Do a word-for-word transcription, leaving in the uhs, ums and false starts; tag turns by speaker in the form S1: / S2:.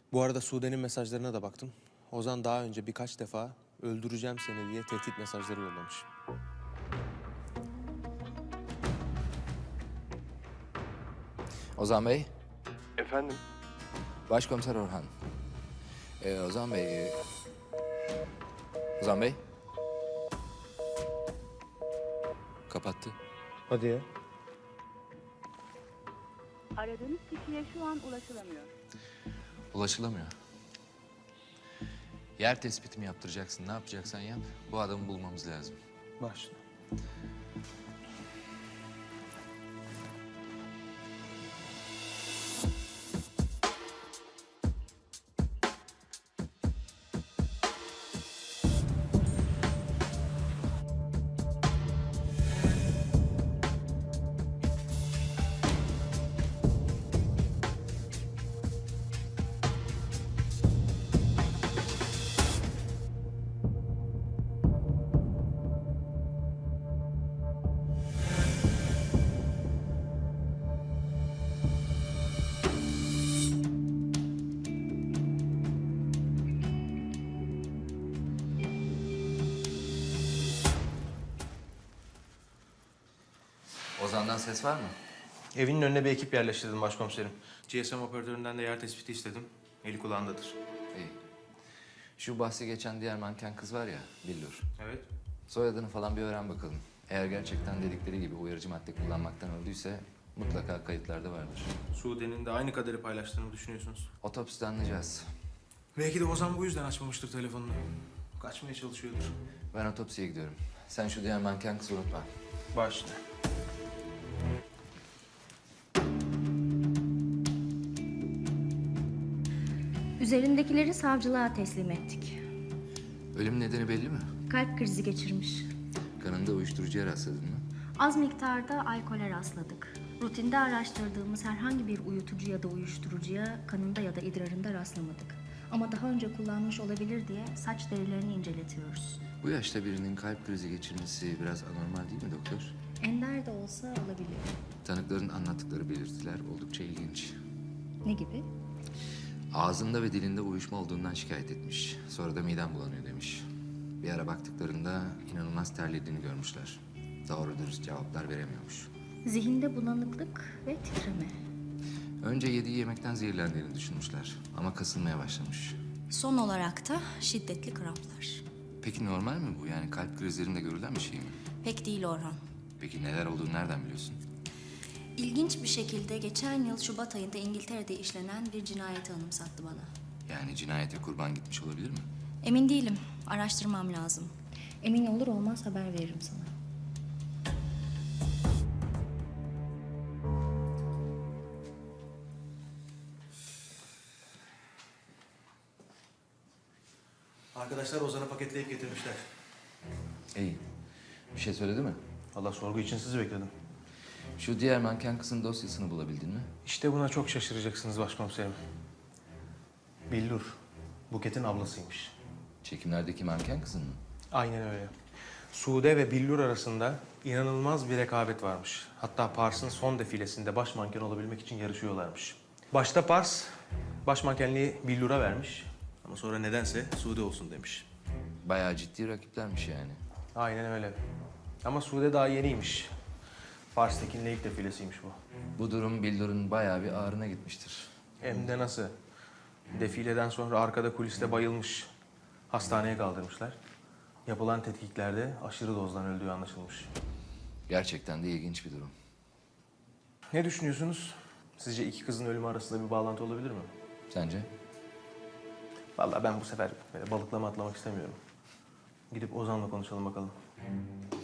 S1: Bu arada Sude'nin mesajlarına da baktım. Ozan daha önce birkaç defa öldüreceğim seni diye tehdit mesajları yollamış.
S2: Ozan Bey,
S1: Efendim?
S2: Başkomiser Orhan. Ee, Ozan Bey... e, Ozan Bey. Kapattı.
S1: Hadi ya.
S3: Aradığınız kişiye şu an ulaşılamıyor.
S2: Ulaşılamıyor. Yer tespitimi yaptıracaksın. Ne yapacaksan yap. Bu adamı bulmamız lazım.
S1: Başla.
S2: Ozan'dan ses var mı?
S1: Evinin önüne bir ekip yerleştirdim başkomiserim. G S M operatöründen de yer tespiti istedim. Eli kulağındadır.
S2: İyi. Şu bahsi geçen diğer manken kız var ya, Billur.
S1: Evet.
S2: Soyadını falan bir öğren bakalım. Eğer gerçekten dedikleri gibi uyarıcı madde kullanmaktan öldüyse mutlaka kayıtlarda vardır.
S1: Sude'nin de aynı kaderi paylaştığını düşünüyorsunuz.
S2: Otopside anlayacağız.
S1: Belki de Ozan bu yüzden açmamıştır telefonunu. Kaçmaya çalışıyordur.
S2: Ben otopsiye gidiyorum. Sen şu diğer manken kızı unutma.
S1: Başla.
S4: Üzerindekileri savcılığa teslim ettik.
S2: Ölüm nedeni belli mi?
S4: Kalp krizi geçirmiş.
S2: Kanında uyuşturucuya rastladın mı?
S4: Az miktarda alkole rastladık. Rutinde araştırdığımız herhangi bir uyutucu ya da uyuşturucuya kanında ya da idrarında rastlamadık. Ama daha önce kullanmış olabilir diye saç derilerini inceletiyoruz.
S2: Bu yaşta birinin kalp krizi geçirmesi biraz anormal değil mi doktor?
S4: Ender de olsa olabilir.
S2: Tanıkların anlattıkları belirtiler oldukça ilginç.
S4: Ne gibi?
S2: Ağzında ve dilinde uyuşma olduğundan şikayet etmiş. Sonra da midem bulanıyor demiş. Bir ara baktıklarında inanılmaz terlediğini görmüşler. Doğru dürüst cevaplar veremiyormuş.
S4: Zihinde bulanıklık ve titreme.
S2: Önce yediği yemekten zehirlendiğini düşünmüşler. Ama kasılmaya başlamış.
S4: Son olarak da şiddetli kramplar.
S2: Peki normal mi bu? Yani kalp krizlerinde görülen bir şey mi?
S4: Pek değil Orhan.
S2: Peki neler olduğunu nereden biliyorsun?
S4: İlginç bir şekilde geçen yıl Şubat ayında İngiltere'de işlenen bir cinayeti anımsattı bana.
S2: Yani cinayete kurban gitmiş olabilir mi?
S4: Emin değilim. Araştırmam lazım. Emin olur olmaz haber veririm sana.
S1: Arkadaşlar Ozan'ı paketleyip getirmişler.
S2: İyi. Bir şey söyledi mi?
S1: Allah sorgu için sizi bekledim.
S2: Şu diğer manken kızın dosyasını bulabildin mi?
S1: İşte buna çok şaşıracaksınız başkomiserim. Billur, Buket'in ablasıymış.
S2: Çekimlerdeki manken kızın mı?
S1: Aynen öyle. Sude ve Billur arasında inanılmaz bir rekabet varmış. Hatta Pars'ın son defilesinde baş manken olabilmek için yarışıyorlarmış. Başta Pars, baş mankenliği Billur'a vermiş. Ama sonra nedense Sude olsun demiş.
S2: Bayağı ciddi rakiplermiş yani.
S1: Aynen öyle. Ama Sude daha yeniymiş. Pars Tekin'le ilk defilesiymiş bu.
S2: Bu durum Billur'un bayağı bir ağrına gitmiştir.
S1: Hem de nasıl? Defileden sonra arkada kuliste bayılmış. Hastaneye kaldırmışlar. Yapılan tetkiklerde aşırı dozdan öldüğü anlaşılmış.
S2: Gerçekten de ilginç bir durum.
S1: Ne düşünüyorsunuz? Sizce iki kızın ölümü arasında bir bağlantı olabilir mi?
S2: Sence?
S1: Vallahi ben bu sefer böyle balıklama atlamak istemiyorum. Gidip Ozan'la konuşalım bakalım.